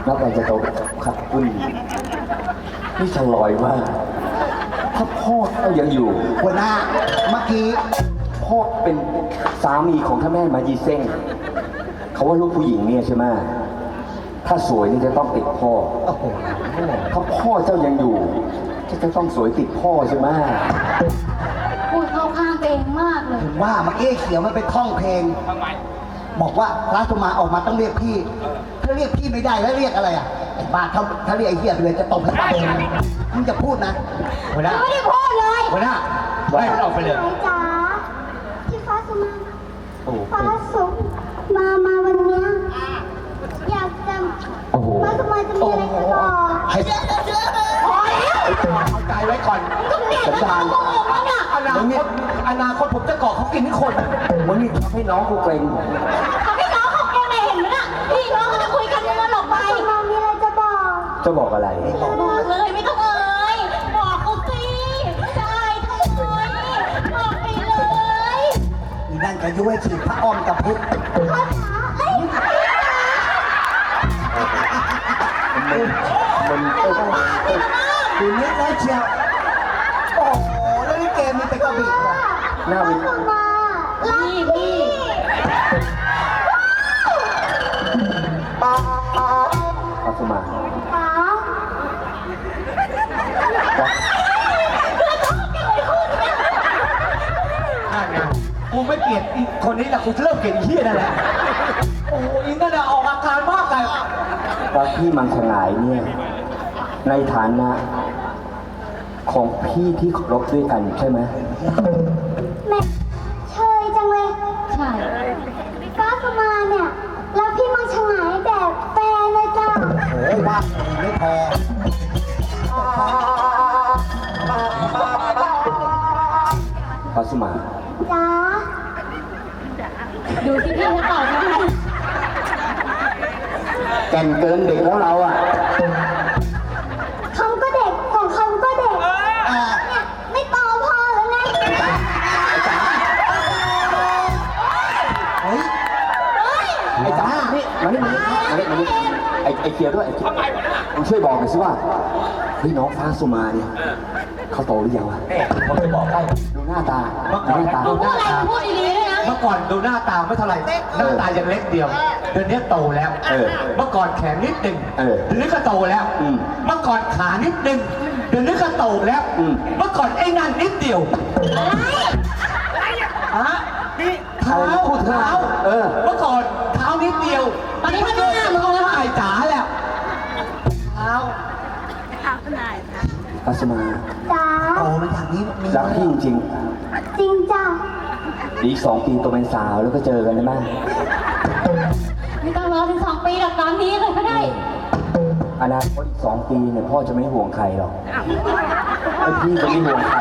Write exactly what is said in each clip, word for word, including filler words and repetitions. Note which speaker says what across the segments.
Speaker 1: แล้วไปจะโตขัดปุ้นนี่ฉลอยมากถ้าพ่อเขายังอยู่
Speaker 2: หัวหน้าเมื่อกี้
Speaker 1: พ่อเป็นสามีของท่านแม่มายีเซ้งเขาว่าลูกผู้หญิงเนี่ยใช่ไหมถ้าสวยนี่จะต้องติดพ่อ
Speaker 2: โอ้โห
Speaker 1: ถ้าพ่อเจ้ายังอยู่จะจะต้องสวยติดพ่อใช่ไหม
Speaker 3: พูดเข้าข้างตัวเองมากเลย
Speaker 2: ถึงว่าเมื่อกี้เขียวมันไปท่องเพลงบอกว่าพระสุมาออกมาต้องเรียกพี่ถ้าเรียกพี่ไม่ได้แล้วเรียกอะไรอ่ะไอ้บ้าถ้าถ้าเรียกไอ้เหี้ยเลยจะตบให้ตายมึงจะพูดนะ
Speaker 4: หัวหน้า
Speaker 3: ไม่ได้พูดเลย
Speaker 4: หัวหน้าไล่มันออกไปเลย
Speaker 5: ไหนจ๋าพี่ฟ้าสุมา
Speaker 1: โอ้โห
Speaker 5: ฟ้าสุมา มาวันเนี้ยอยากจะ
Speaker 1: โอ้โห
Speaker 5: ฟ้าสุมาจะมีอะไรจะบอก
Speaker 4: ให้พอแล้วเข้าใจไว้ก่อน
Speaker 3: ก็เนี่ย
Speaker 1: สันดาน
Speaker 3: โกหกแล้วเนี่ย
Speaker 4: อนาคตอนาคตผมจะเกาะเขากินทุกคน
Speaker 1: มึงนี่ทำให้น้องกูเกรง
Speaker 3: ทำให้น้องเขาแกล้งเห็นไหมน่ะพี่น้องก็จะคุยกันมันหลบไป
Speaker 5: ฟ้าสุมามีอะไรจะบอก
Speaker 1: จะบอกอะไร
Speaker 3: บอกเลยไม่ต้องเอ่ยบอกเขาสิจะอายทำไมบอกไปเลย
Speaker 2: อีนั่นก็ยุ้ยฉีดพระอ้อมกับพุทธ
Speaker 5: พ่อจ๋าเอ้ย
Speaker 1: มันเอ้ยต้องเอ้ย
Speaker 2: ดูนิดแล้วเชียวโอ้โหแล้วนี่เกมนี้เป็นกระบี่เหรอ
Speaker 1: หน้า
Speaker 5: ฟ้า
Speaker 1: วิน
Speaker 5: สุมารัก
Speaker 3: พี่
Speaker 5: พี่
Speaker 1: ปัสมา
Speaker 5: ฟ้า
Speaker 4: นั่นไงกูไม่เกลียดอีกคนนี้แหละกูเริ่มเกลียดอีเหี้ยนั่นแหละโอ้โหอีนั่นน่ะออกอาการมากเลย
Speaker 1: เพราะพี่มังสงายเนี่ย ในฐานะ ของพี่ที่เคารพด้วยกันใช่ไหม
Speaker 5: แม่เชยจังเลย
Speaker 3: ใช่
Speaker 5: ฟ้าสุมาเนี่ยแล้วพี่มังชงายแบบแฟนเลยจ้า
Speaker 2: โอ้โหว่าไม่พอ
Speaker 1: ปัสมา
Speaker 5: จ้า
Speaker 3: ดูที่พี่เขาตอบยังไง
Speaker 1: แก่นเกินเด็กแล้วเราอ่ะ
Speaker 5: คำก็เด็กของคำก็เด็ก
Speaker 2: อ่า
Speaker 5: เนี่ยไม่โตพอแล้วไง
Speaker 2: เฮ้ย
Speaker 1: ไอ้จ๋านี่มานี่มานี่มานี่มานี่ไอ้ไอ้เคียวด้วยไอ้เคียวมึงช่วยบอกหน่อยสิว่าเฮ้ยน้องฟ้าสุมาเนี่ยเขาโตหรือยังวะ
Speaker 4: เอ๊ะผมจะบอกให้
Speaker 1: ดูหน้าตา
Speaker 4: เมื่อก่
Speaker 1: ดู
Speaker 4: อน
Speaker 1: หน้าตา
Speaker 4: ดู
Speaker 3: พูดอะไรพูดดีๆด้วยนะ
Speaker 4: เมื่อก่อนดูหน้าตาไม่เท่าไหร่หน้าตายังเล็กเดียวเดี๋ยวนี้โตแล้ว
Speaker 1: เออ
Speaker 4: เมื่อก่อนแขนนิดหนึ่ง
Speaker 1: เออ
Speaker 4: เดี๋ยวนี้ก็โตแล้ว
Speaker 1: อืม
Speaker 4: เมื่อก่อนขานิดหนึ่งเดี๋ยวนี้ก็โตแล้ว
Speaker 1: อืม
Speaker 4: เมื่อก่อนไอ้นั่นนิดเดียวฮะนี่เท้า
Speaker 1: พูดเถอะ
Speaker 4: เท้า
Speaker 1: เออ
Speaker 4: เมื่อก่อนเท้านิดเดียว
Speaker 3: ตอนนี้มันหน้ามึงแล้ว
Speaker 4: ไอ้จ๋าแล้วเท้า
Speaker 1: ปัสมา
Speaker 5: จ้า
Speaker 2: โตมันอย่างนี้มี
Speaker 1: รักพี่จริง
Speaker 5: จริงจ้า
Speaker 1: ๆอีกสองปีโตเป็นสาวแล้วก็เจอกันได้ไหม
Speaker 3: ไม่ต้องรอถึงสองปีหรอกตอนนี้เลยก็ได้
Speaker 1: อนาคตอีกสองปีเนี่ยพ่อจะไม่ห่วงใครหรอกไอ้พี่จะไม่ห่วงใคร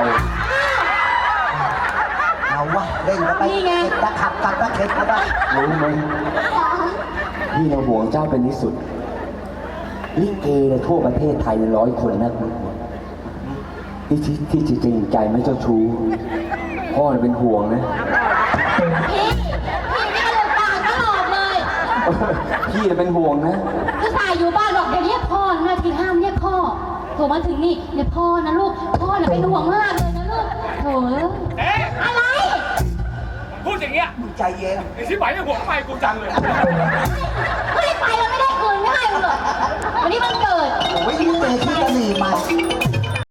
Speaker 2: เอาวะเล่นเข้าไป
Speaker 3: นี่ไง
Speaker 2: เข็ดตะขับตัดตะเข็ดเข้าไป
Speaker 1: รู้ไหมพี่เราห่วงเจ้าเป็นที่สุดลิเกในทั่วประเทศไทยในร้อยคนนะที่ที่ที่จริงใจไม่เจ้าชู้พ่อเป็นห่วงนะ
Speaker 3: พี่พี่นี่มันปากตลอดเลย
Speaker 1: พี่เป็นห่วงนะ
Speaker 3: คือสายอยู่บ้านบอกอย่าเรียกพ่อนะทีห้ามเรียกพ่อโทรมาถึงนี่เรียกพ่อนะลูกพ่อน่ะเป็นห่วงมากเลยนะลูกโถเอ้ยอะไร
Speaker 6: พูดอย่างเงี้ย
Speaker 2: มึงใจเย็น
Speaker 6: ไอ้ชิบหายเนี่ยหัวทำไมกูจังเลย
Speaker 3: ไม่ได้ไปแล้วไม่ได้คืนไม่ให้มึงหรอกวันนี้มัน